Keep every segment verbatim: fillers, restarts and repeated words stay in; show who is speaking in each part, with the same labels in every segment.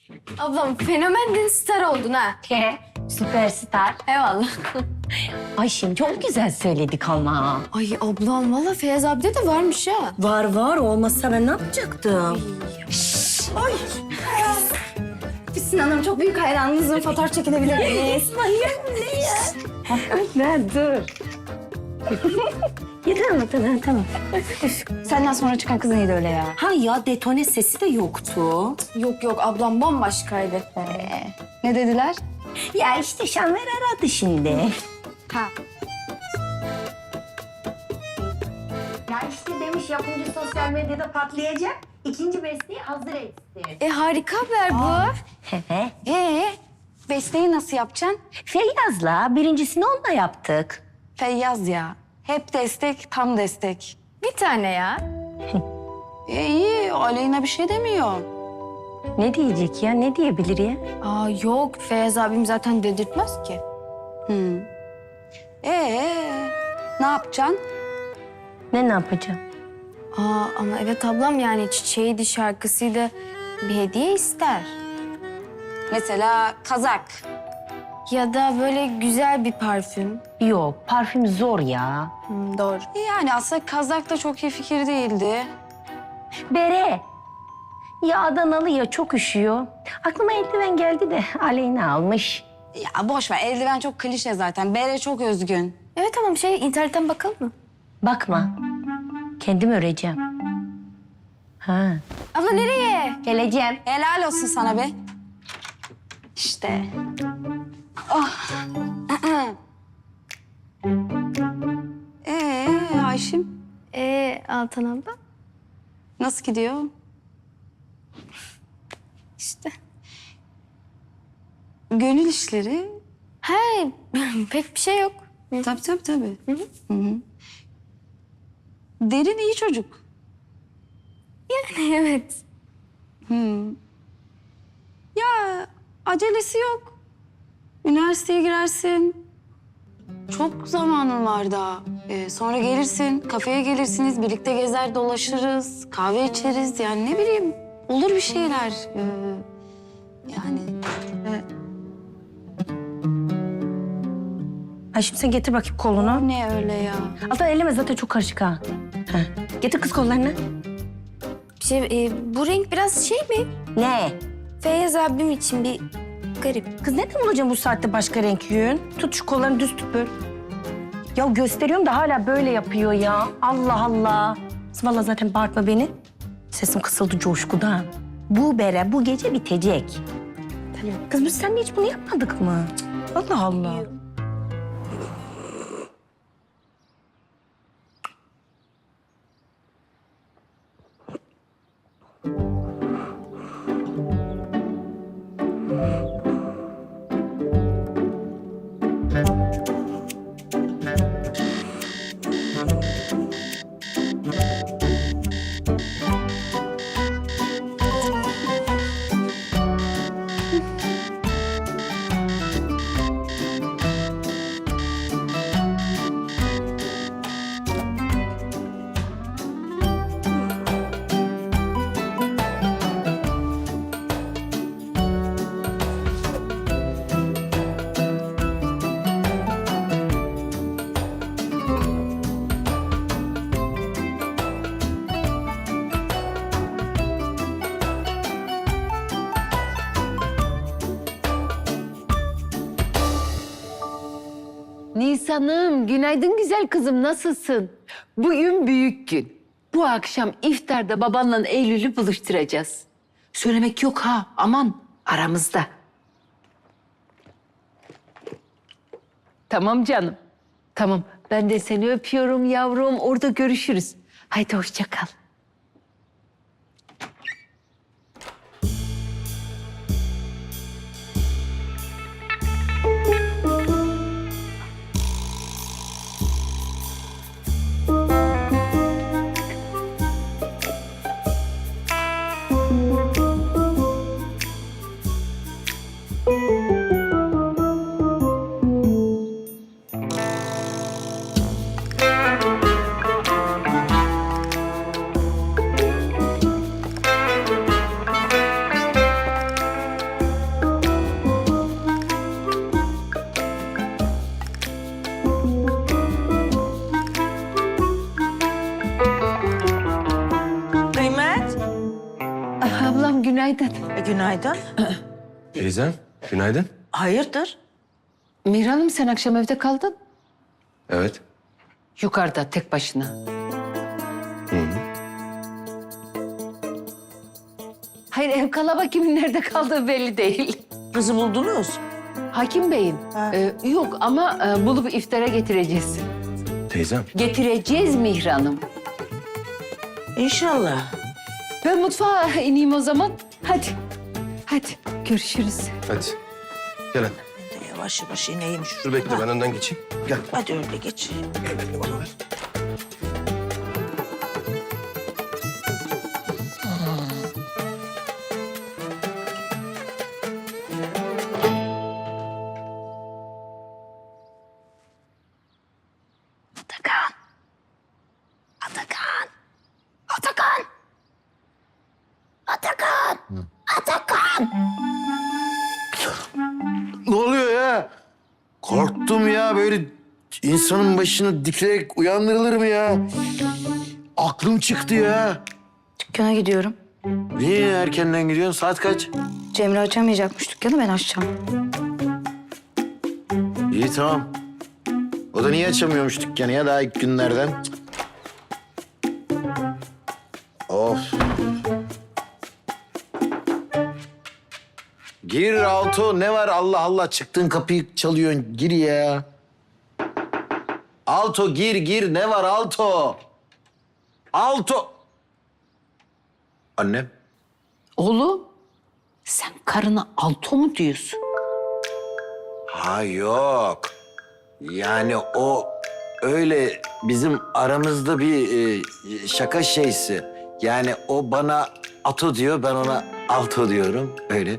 Speaker 1: Ablam fenomendin, star oldun ha.
Speaker 2: Süperstar.
Speaker 1: Eyvallah.
Speaker 2: Ay şimdi çok güzel söyledik ama.
Speaker 1: Ay ablam valla Feyyaz abide de varmış ha.
Speaker 2: Var var olmazsa ben ne yapacaktım?
Speaker 1: Füsun Hanım çok büyük hayranınızın, fotoğraf çekilebilir miyiz?
Speaker 2: Manyak ne ya? Ne dur. Yeter mi? Tamam tamam.
Speaker 1: Senden sonra çıkan kız neydi öyle ya?
Speaker 2: Ha ya detone sesi de yoktu.
Speaker 1: Yok yok ablam bambaşkaydı. Ee, ne dediler?
Speaker 2: Ya işte Şanver aradı şimdi.
Speaker 1: Ha.
Speaker 3: Ya işte demiş yapımcı sosyal medyada patlayacak. İkinci besteyi hazır etsin.
Speaker 1: E harika haber bu.
Speaker 2: He.
Speaker 1: Ee, besteyi nasıl yapacaksın?
Speaker 2: Feyyaz'la birincisini onunla yaptık.
Speaker 1: Feyyaz ya. Hep destek, tam destek. Bir tane ya. e iyi, Aleyna bir şey demiyor.
Speaker 2: Ne diyecek ya? Ne diyebilir ya?
Speaker 1: Aa yok, Feyyaz abim zaten dedirtmez ki.
Speaker 4: Hmm. Ee, ne yapacaksın?
Speaker 2: Ne ne yapacağım?
Speaker 1: Aa ama evet ablam, yani çiçeğiydi, şarkısıydı. Bir hediye ister.
Speaker 4: Mesela kazak.
Speaker 1: Ya da böyle güzel bir parfüm.
Speaker 2: Yok, parfüm zor ya.
Speaker 1: Hmm, doğru.
Speaker 4: Yani aslında kazak da çok iyi fikir değildi.
Speaker 2: Bere. Ya Adanalı ya çok üşüyor. Aklıma eldiven geldi de Aleyna almış.
Speaker 4: Ya boş ver, eldiven çok klişe zaten. Bere çok özgün.
Speaker 1: Evet tamam, şey internetten bakalım mı?
Speaker 2: Bakma. Kendim öreceğim. Ha.
Speaker 1: Abla nereye?
Speaker 2: Geleceğim.
Speaker 4: Helal olsun sana be. İşte. Oh. Ee, Ayşim
Speaker 1: Ee Altan abla?
Speaker 4: nasıl gidiyor?
Speaker 1: İşte.
Speaker 4: Gönül işleri.
Speaker 1: He, pek bir şey yok.
Speaker 4: Tabii tabii tabii. Hı hı. Derin iyi çocuk.
Speaker 1: Yani evet.
Speaker 4: Hı. Ya acelesi yok. Üniversiteye girersin. Çok zamanın var daha. Ee, sonra gelirsin, kafeye gelirsiniz, birlikte gezer dolaşırız, kahve içeriz. Yani ne bileyim, olur bir şeyler. Ee, yani e,
Speaker 2: Ay şimdi sen getir bakayım kolunu.
Speaker 4: ne öyle ya?
Speaker 2: Altan elleme zaten çok karışık ha. Ha. Getir kız kollarını.
Speaker 1: Şey, e, bu renk biraz şey mi?
Speaker 2: Ne?
Speaker 1: Feyyaz abim için bir garip.
Speaker 2: Kız neden bulacağım bu saatte başka renk yün? Tut şu kollarını düz tut böyle. Ya gösteriyorum da hala böyle yapıyor ya. Allah Allah. Vallahi zaten bağırtma beni. Sesim kısıldı coşkudan. Bu bere bu gece bitecek. Kız biz seninle hiç bunu yapmadık mı? Cık, Allah Allah.
Speaker 5: Nisan'ım, günaydın güzel kızım, nasılsın? Bugün büyük gün. Bu akşam iftarda babanla Eylül'ü buluşturacağız. Söylemek yok ha, aman aramızda. Tamam canım, tamam. Ben de seni öpüyorum yavrum, orada görüşürüz. Haydi hoşça kal.
Speaker 6: günaydın.
Speaker 7: Teyzem, günaydın.
Speaker 6: Hayırdır?
Speaker 5: Mihran'ım sen akşam evde kaldın.
Speaker 7: Evet.
Speaker 5: Yukarıda tek başına. Hayır ev kalabalık kimin nerede kaldığı belli değil.
Speaker 6: Kızı buldunuz.
Speaker 5: Hakim Bey'in.
Speaker 6: Ha.
Speaker 5: Ee, yok ama e, bulup iftara getireceğiz.
Speaker 7: Teyzem.
Speaker 5: Getireceğiz Mihran'ım.
Speaker 6: İnşallah.
Speaker 5: Ben mutfağa ineyim o zaman. Hadi. Hadi görüşürüz.
Speaker 7: Hadi. Gel hadi.
Speaker 6: Ben de yavaş yavaş ineyim şu.
Speaker 7: Dur bekle ben önden geçeyim. Gel.
Speaker 6: Hadi öyle geç.
Speaker 7: Gel bekle bana ver.
Speaker 2: Atakan. Atakan. Atakan. Atakan. Atakan.
Speaker 8: Ne oluyor ya? Korktum ya, böyle insanın başına dikilerek uyandırılır mı ya? Aklım çıktı ya.
Speaker 1: Dükkana gidiyorum.
Speaker 8: Niye erkenden gidiyorsun? Saat kaç?
Speaker 1: Cemre açamayacakmış dükkanı, ben açacağım.
Speaker 8: İyi tamam. O da niye açamıyormuş dükkanı ya daha ilk günlerden? Cık. Of. Gir Alto, ne var Allah Allah, çıktığın kapıyı çalıyorsun, gir ya. Alto gir gir, ne var Alto? Alto. Annem.
Speaker 5: Oğlum sen karına alto mu diyorsun?
Speaker 8: Ha yok. Yani o öyle bizim aramızda bir e, şaka şeysi. Yani o bana ato diyor, ben ona alto diyorum. Öyle.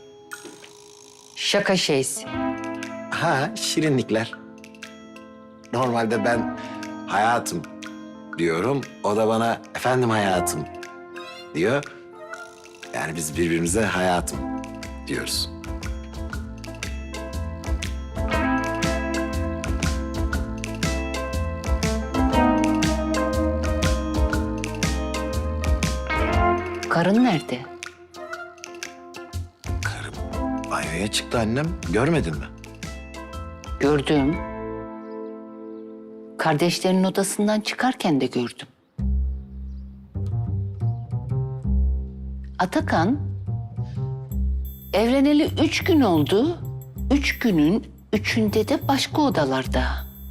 Speaker 5: Şaka şeysi.
Speaker 8: Ha, şirinlikler. Normalde ben hayatım diyorum. O da bana efendim hayatım diyor. Yani biz birbirimize hayatım diyoruz.
Speaker 5: Karın nerede?
Speaker 8: Karım banyoya çıktı annem. Görmedin mi?
Speaker 5: Gördüm. Kardeşlerinin odasından çıkarken de gördüm. Atakan, evleneli üç gün oldu. Üç günün üçünde de başka odalarda.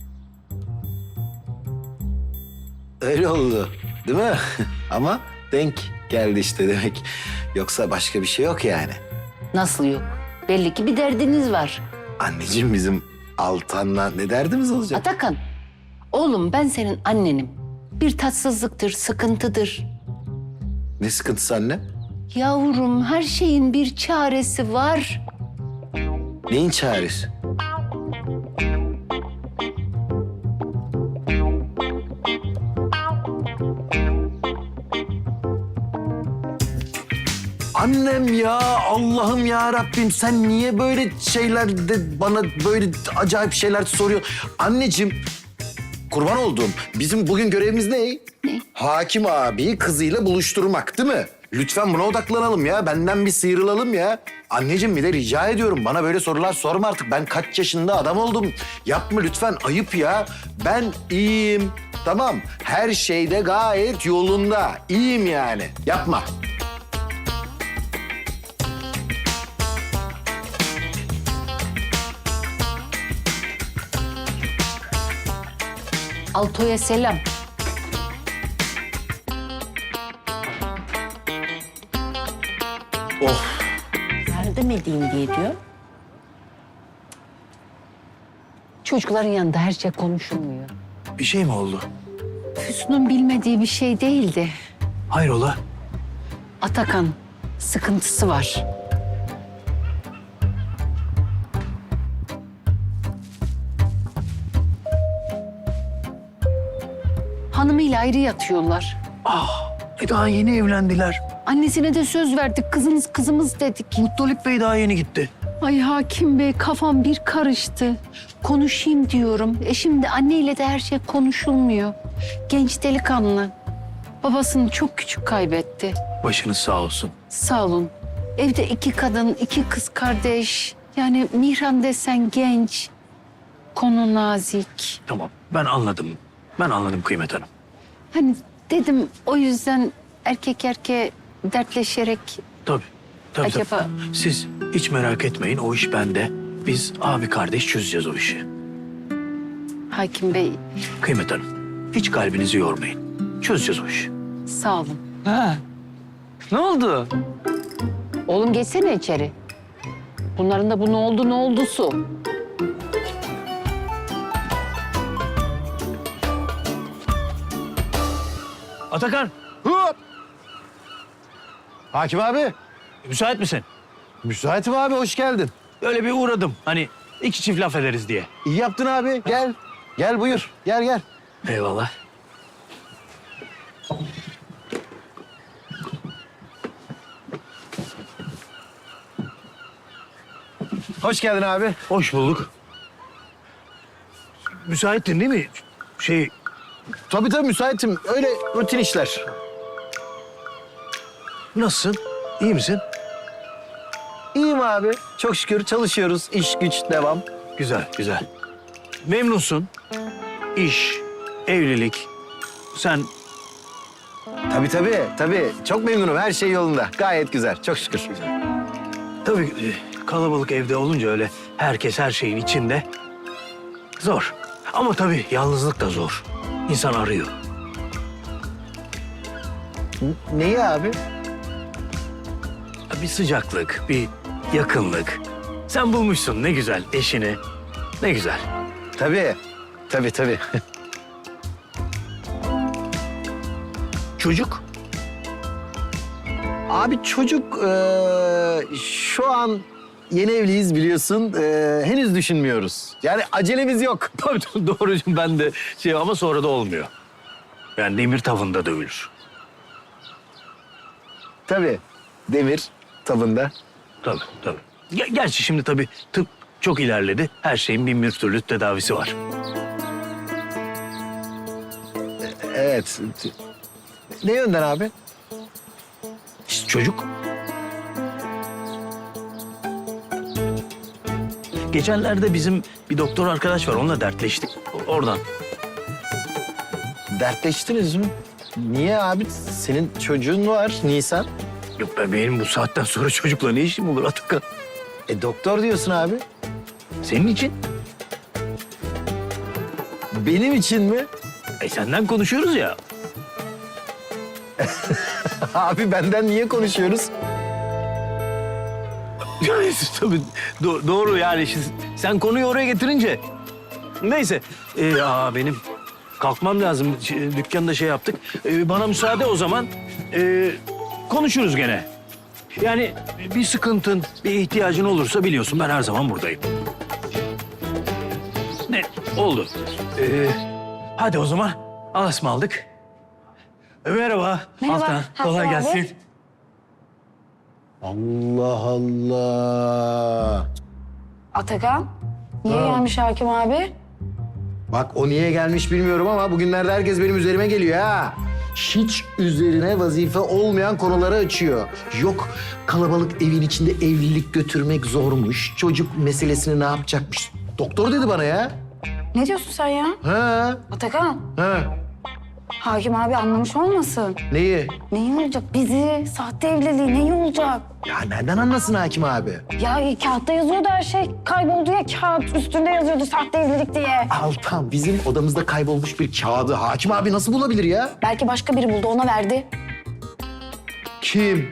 Speaker 8: Öyle oldu, değil mi? Ama denk geldi işte demek. Yoksa başka bir şey yok yani.
Speaker 5: Nasıl yok? Belli ki bir derdiniz var.
Speaker 8: Anneciğim, bizim Altan'la ne derdimiz olacak?
Speaker 5: Atakan, oğlum ben senin annenim. Bir tatsızlıktır, sıkıntıdır.
Speaker 8: Ne sıkıntısı anne?
Speaker 5: Yavrum her şeyin bir çaresi var.
Speaker 8: Neyin çaresi? Annem ya, Allah'ım ya Rabbim, sen niye böyle şeyler de bana böyle acayip şeyler soruyor? Anneciğim, kurban olduğum, bizim bugün görevimiz ne?
Speaker 5: Ne?
Speaker 8: Hakim abiyi kızıyla buluşturmak, değil mi? Lütfen buna odaklanalım ya, benden bir sıyrılalım ya. Anneciğim, bir de rica ediyorum, bana böyle sorular sorma artık. Ben kaç yaşında adam oldum. Yapma lütfen, ayıp ya. Ben iyiyim, tamam. Her şeyde gayet yolunda. İyiyim yani, yapma.
Speaker 5: Alto'ya selam.
Speaker 8: Oh.
Speaker 2: Yardım edeyim diye diyor.
Speaker 5: Çocukların yanında her şey konuşulmuyor.
Speaker 8: Bir şey mi oldu?
Speaker 5: Füsun'un bilmediği bir şey değildi.
Speaker 8: Hayrola?
Speaker 5: Atakan sıkıntısı var. Hanımıyla ayrı yatıyorlar.
Speaker 9: E daha yeni evlendiler.
Speaker 5: Annesine de söz verdik, kızımız kızımız dedik.
Speaker 9: Mutluluk Bey daha yeni gitti.
Speaker 5: Ay Hakim Bey kafam bir karıştı. Konuşayım diyorum. E şimdi anneyle de her şey konuşulmuyor. Genç delikanlı. Babasını çok küçük kaybetti.
Speaker 9: Başınız sağ olsun.
Speaker 5: Sağ olun. Evde iki kadın, iki kız kardeş. Yani Mihran desen genç. Konu nazik.
Speaker 9: Tamam ben anladım. Ben anladım Kıymet Hanım.
Speaker 5: Hani dedim o yüzden erkek erkeğe dertleşerek
Speaker 9: Tabii. Tabii,
Speaker 5: Acaba-
Speaker 9: tabii. Siz hiç merak etmeyin o iş bende. Biz abi kardeş çözeceğiz o işi.
Speaker 5: Hakim Bey
Speaker 9: Kıymet Hanım hiç kalbinizi yormayın. Çözeceğiz o işi.
Speaker 5: sağ olun.
Speaker 10: Ha. Ne oldu?
Speaker 5: Oğlum geçsene içeri. Bunların da bu ne oldu ne oldusu.
Speaker 9: Atakan
Speaker 8: Hop! Hakim abi,
Speaker 9: müsait misin?
Speaker 8: müsaitim abi, hoş geldin.
Speaker 9: Öyle bir uğradım. Hani iki çift laf ederiz diye.
Speaker 8: İyi yaptın abi, gel. Gel buyur, gel gel.
Speaker 9: Eyvallah.
Speaker 8: Hoş geldin abi.
Speaker 9: Hoş bulduk. Müsaittin değil mi? Şey,
Speaker 8: Tabii tabii müsaitim, öyle rutin işler.
Speaker 9: nasılsın? İyi misin?
Speaker 8: İyiyim abi, çok şükür çalışıyoruz, iş güç devam.
Speaker 9: Güzel, güzel. Memnunsun. İş, evlilik. Sen
Speaker 8: Tabii tabii, tabii. Çok memnunum, her şey yolunda. Gayet güzel, çok şükür.
Speaker 9: tabii e, kalabalık evde olunca öyle herkes her şeyin içinde. Zor. Ama tabii yalnızlık da zor. İnsan arıyor.
Speaker 8: N- Neyi abi?
Speaker 9: Bir sıcaklık, bir yakınlık. Sen bulmuşsun ne güzel eşini. Ne güzel.
Speaker 8: Tabii, tabii tabii.
Speaker 9: Çocuk?
Speaker 8: Abi çocuk eee, şu an yeni evliyiz biliyorsun. Eee, henüz düşünmüyoruz. Yani acelemiz yok.
Speaker 9: Tabii tabii, doğru ben de şey ama sonra da olmuyor. Yani demir tavında dövülür.
Speaker 8: Tabii. Demir tavında.
Speaker 9: Tabii tabii. Ger- Gerçi şimdi tabii tıp çok ilerledi. Her şeyin bin bir türlü tedavisi var.
Speaker 8: Evet. Ne yönden abi?
Speaker 9: İşte çocuk. Geçenlerde bizim bir doktor arkadaş var. Onunla dertleştik. O- Oradan.
Speaker 8: Dertleştiniz mi? Niye abi? Senin çocuğun var Nisan.
Speaker 9: Yok be benim bu saatten sonra çocukla ne işim olur Atakan?
Speaker 8: E doktor diyorsun abi.
Speaker 9: Senin için.
Speaker 8: Benim için mi?
Speaker 9: E senden konuşuyoruz ya.
Speaker 8: Abi benden niye konuşuyoruz?
Speaker 9: Yani tabii do- doğru yani. Şimdi sen konuyu oraya getirince. Neyse. Ee, aa, benim kalkmam lazım. Ş- Dükkanda şey yaptık. Ee, bana müsaade o zaman. Ee, konuşuruz gene. Yani bir sıkıntın, bir ihtiyacın olursa biliyorsun ben her zaman buradayım. Ne? Oldu. Ee, hadi o zaman. Allah'a ısmarladık. Ee, Merhaba.
Speaker 1: Merhaba,
Speaker 9: Altan.
Speaker 1: Hakan
Speaker 9: Kolay
Speaker 1: abi.
Speaker 9: gelsin.
Speaker 8: Allah Allah.
Speaker 1: Atakan, niye gelmiş Hakim abi?
Speaker 8: Bak o niye gelmiş bilmiyorum ama bugünlerde herkes benim üzerime geliyor ha. Hiç üzerine vazife olmayan konuları açıyor. Yok kalabalık evin içinde evlilik götürmek zormuş. Çocuk meselesini ne yapacakmış? Doktor dedi bana ya.
Speaker 1: Ne diyorsun sen ya?
Speaker 8: Ha,
Speaker 1: Atakan,
Speaker 8: ha.
Speaker 1: Hakim abi anlamış olmasın.
Speaker 8: Neyi?
Speaker 1: Neyi olacak? Bizi, sahte evliliği neyi olacak?
Speaker 8: Ya nereden anlasın hakim abi?
Speaker 1: Ya kağıtta yazıyordu her şey. Kayboldu ya kağıt. Üstünde yazıyordu sahte evlilik diye.
Speaker 8: Altan bizim odamızda kaybolmuş bir kağıdı hakim abi nasıl bulabilir ya?
Speaker 1: Belki başka biri buldu ona verdi.
Speaker 8: Kim?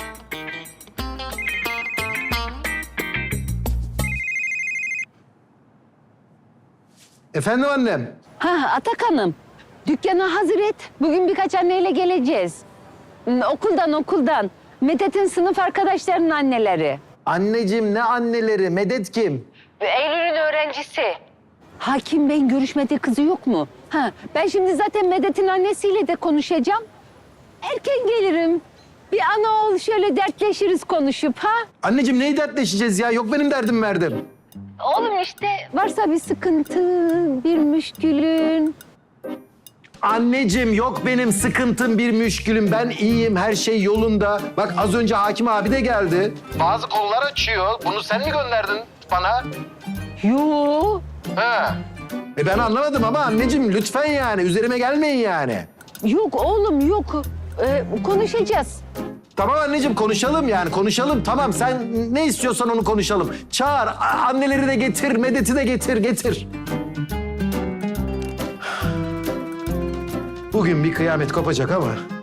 Speaker 8: Efendim annem?
Speaker 5: Ha Atakan'ım, dükkanı hazır et. Bugün birkaç anneyle geleceğiz. Hmm, Okuldan okuldan. Medet'in sınıf arkadaşlarının anneleri.
Speaker 8: Anneciğim ne anneleri? Medet kim?
Speaker 5: Eylül'ün öğrencisi. Hakim Bey'in görüşmediği kızı yok mu? Ha, ben şimdi zaten Medet'in annesiyle de konuşacağım. Erken gelirim. Bir ana oğul şöyle dertleşiriz konuşup ha.
Speaker 8: Anneciğim neyi dertleşeceğiz ya? Yok benim derdim verdim.
Speaker 5: Oğlum işte varsa bir sıkıntı, bir müşkülün.
Speaker 8: Anneciğim yok benim sıkıntım bir müşkülüm. Ben iyiyim, her şey yolunda. Bak az önce hakim abi de geldi. Bazı konular açıyor. Bunu sen mi gönderdin bana?
Speaker 5: Yo.
Speaker 8: Ha. E ben anlamadım ama anneciğim lütfen yani üzerime gelmeyin yani.
Speaker 5: Yok oğlum yok. Ee, konuşacağız.
Speaker 8: Tamam anneciğim konuşalım yani konuşalım. Tamam sen ne istiyorsan onu konuşalım. Çağır a- anneleri de getir, Medet'i de getir, getir. Bugün bir kıyamet kopacak ama